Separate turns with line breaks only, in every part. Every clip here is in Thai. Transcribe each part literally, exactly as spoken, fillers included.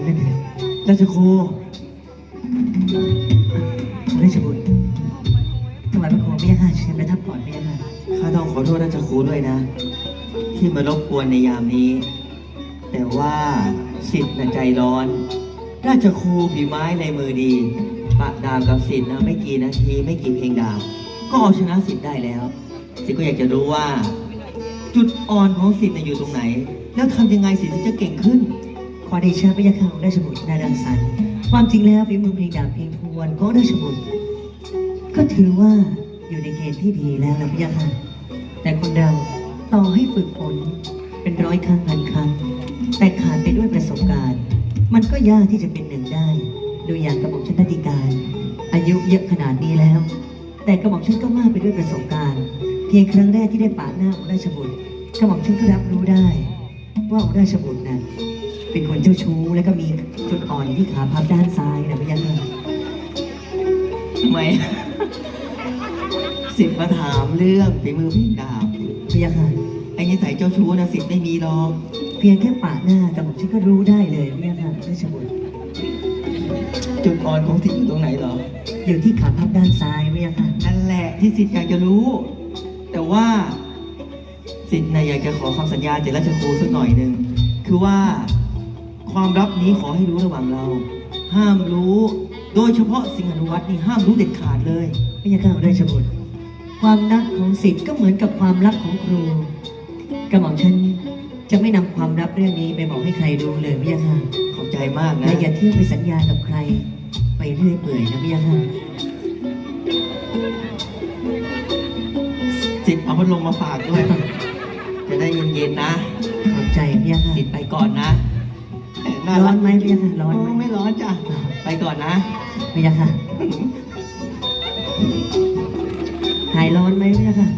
นั่นเอง
ราชครู
ราชบุตรถวายพระโคมพระยาค่ะเชิญประทับก่อนพระยาค่ะ
ข้าต้องขอโทษราชครูด้วยนะ ที่มารบกวนในยามนี้ แต่ว่าสิทธิ์น่ะใจร้อน ราชครูฝีไม้ในมือดีปะดาบกับสิทธิ์นะไม่กี่นาทีไม่กี่เพลงดาบก็เอาชนะสิทธิ์ได้แล้ว สิทธิ์ก็อยากจะรู้ว่า จุดอ่อนของสิทธิ์น่ะอยู่ตรงไหน แล้วทำยังไงสิทธิ์ถึงจะเก่งขึ้น
ขอเดชะพระยาค่ะของราชบุตรนาดังสรรค์ความจริงแล้วฝีมือเพลงดาบเพลงทวนของราชบุตรก็ถือว่าอยู่ในเกณฑ์ที่ดีแล้วนะพระยาค่ะแต่คนเราต่อให้ฝึกฝนเป็นร้อยครั้งพันครั้งแต่ขาดไปด้วยประสบการณ์ มันก็ยากที่จะเป็นหนึ่งได้ดูอย่างกระหม่อมชันนาติการอายุเยอะขนาดนี้แล้ว แต่กระหม่อมชันก็มากไปด้วยประสบการณ์ เพียงครั้งแรกที่ได้ปะหน้าองค์ราชบุตรกระหม่อมชันก็รับรู้ได้ ว่าองค์ราชบุตรน่ะเป็นคนเจ้าชู้และก็มีจุดอ่อนที่ขาพับด้านซ้ายนะพระยาค่ะ
ทำไม สิทธิ์มาถามเรื่องฝีมือเพลงดาบ
พระยาค่ะ
ไอ้นิสัยเจ้าชู้นะสิทธิ์ไม่มีหรอก
เพียงแค่ปะหน้ากระหม่อมชันก็รู้ได้เลยพระยาค่ะราชบุตร
จุดอ่อนของสิทธิ์อยู่ตรงไหนเหรอ
อยู่ที่ขาพับด้านซ้ายพระยาค่ะ
นั่นแหละที่สิทธิ์อยากจะรู้ แต่ว่าสิทธิ์นะอยากจะขอคำสัญญาจากราชครูสักหน่อยหนึ่งคือว่าความลับนี้ขอให้รู้ระหว่างเรา ห้ามรู้ โดยเฉพาะสิงหานุวัตรนี่ห้ามรู้เด็ดขาดเลย
พระยาค่ะราชบุตรความรักของศิษย์ก็เหมือนกับความรักของครูกระหม่อมฉันจะไม่นำความลับเรื่องนี้ไปบอกให้ใครรู้เลยพระยาค่ะ
ขอบใจมากนะ
และอย่าเที่ยวไปสัญญากับใคร ไปเรื่อยเปื่อยนะพระยาค่ะ
สิทธิ์เอาพัดลมมาฝากด้วย จะได้เย็นๆนะ
ขอบใจพระยาค่ะ
สิทธิ์ไปก่อนนะน่า
ร้อ
รั
น
ก
ไหมพระยาค่ะร้อนไหม
ไม่ร้อนจ้ะไปก่อนนะ
พระยาค่ะหายร้อนไหมพระยาค่ะ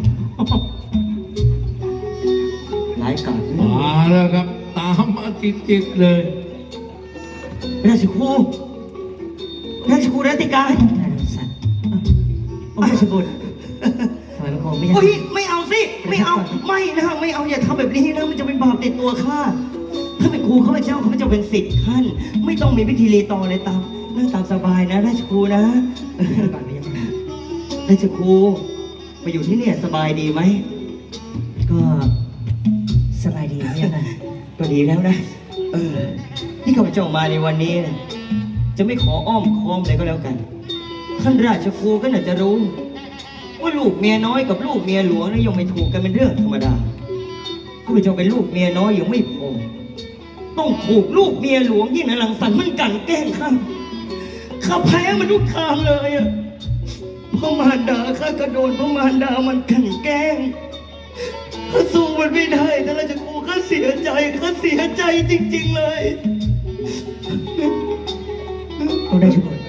หลายก่อน
มาแล้วครับ ตามมาติดๆเลย
ราชครูราชครูรัตติการ
น่าสงสารอ้าวองค์ราชบุตรถวายพระโคมพระยา
โอ้ย
ค่ะ
ไม่เอาสิ ไม่เอา ไม่นะไม่เอาอย่าทำแบบนี้นะ มันจะเป็นบาปติดตัวข้า ถ้าเป็นครูข้าพเจ้าข้าพเจ้าเป็นศิษย์ท่าน ไม่ต้องมีพิธีรีตองอะไรตามนั่งตามสบายนะ ราชครูนะ
ก่อนพระยาค่ะ
ราชครูมาอยู่ที่เนี่ยสบายดีไหม
ก็สบายดีพระยาค่ะ
ก็ดีแล้วนะ เออ ที่ข้าพเจ้ามาในวันนี้นะจะไม่ขออ้อมค้อมอะไรก็แล้วกัน ท่านราชครูก็น่าจะรู้ ว่าลูกเมียน้อยกับลูกเมียหลวงนะยังไม่ถูกกันเป็นเรื่องธรรมดาข้าพเจ้าเป็นลูกเมียน้อยยังไม่พอต้องถูกลูกเมียหลวงที่นรังสรรค์มันกลั่นแกล้งข้าข้าแพ้มันทุกทางเลยอะพ่อมารดาข้าก็โดนพ่อมารดามันกลั่นแกล้งข้าสู้มันไม่ได้ท่านราชครูข้าเสียใจข้าเสียใจจริงๆเลย
องค์ราชบุตร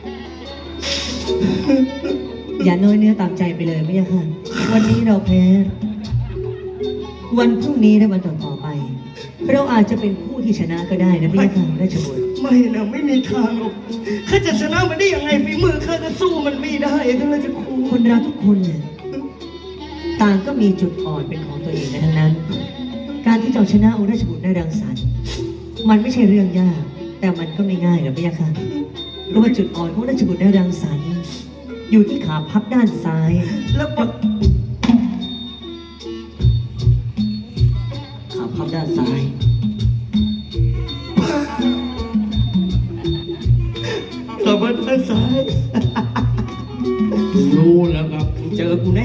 อย่าน้อยเนื้อตามใจไปเลยพระยาค่ะ วันนี้เราแพ้ วันพรุ่งนี้และวันต่อๆไป เราอาจจะเป็นผู้ที่ชนะก็ได้นะพระยาค่ะราชบุตร
ไม่นะไม่มีทางหรอกข้าจะชนะมันได้ยังไงฝีมือข้าก็สู้มันไม่ได้ท่านราชครู
คนเราทุกคนเนี่ยต่างก็มีจุดอ่อนเป็นของตัวเองกันทั้งนั้น การที่จะเอาชนะองค์ราชบุตรได้รังสรรค์มันไม่ใช่เรื่องยาก แต่มันก็ไม่ง่ายหรอกพระยาค่ะเพราะว่าจุดอ่อนของราชบุตรได้รังสรรค์อยู่ที่ขาพับด้านซ้าย
แล้วก็ขาพับด้านซ้ายขาพับด้านซ้าย
รู้แล้วครับ
เจอกูแน่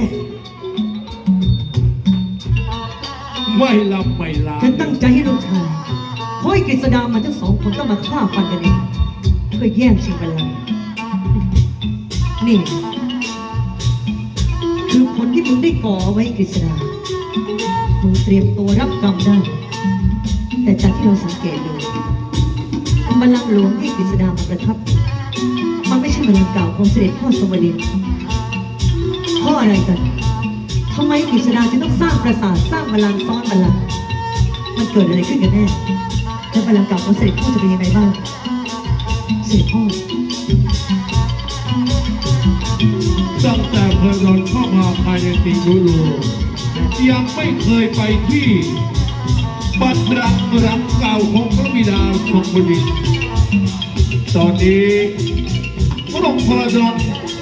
ไม่ลำไม่ลา
ฉันตั้งใจให้ลูกชายเพราะไอ้กฤษดามันทั้งสองคนต้องมาฆ่าฟันกันเองเพื่อแย่งชิงบัลลังก์นี่ คือผลที่มึงได้ก่อไว้กฤษดามึงเตรียมตัวรับกรรมได้ แต่จากที่เราสังเกตดูบัลลังก์หลวงที่กฤษดามาประทับ มันไม่ใช่บัลลังก์เก่าของเสด็จพ่อสมดินเพราะอะไรกันทำไมกฤษดาจึงต้องสร้างปราสาทสร้างบัลลังก์ซ้อนบัลลังก์มันเกิดอะไรขึ้นกันแน่แล้วบัลลังก์เก่าของเสด็จพ่อจะเป็นยังไงบ้างเสด็จพ่อ
ตั้งแต่พระนนท์เข้ามาภายในติงรูรูยังไม่เคยไปที่บัดรักรักเก่าของพระบิดาทรงบดินทร์ตอนนี้พระองค์พระดอน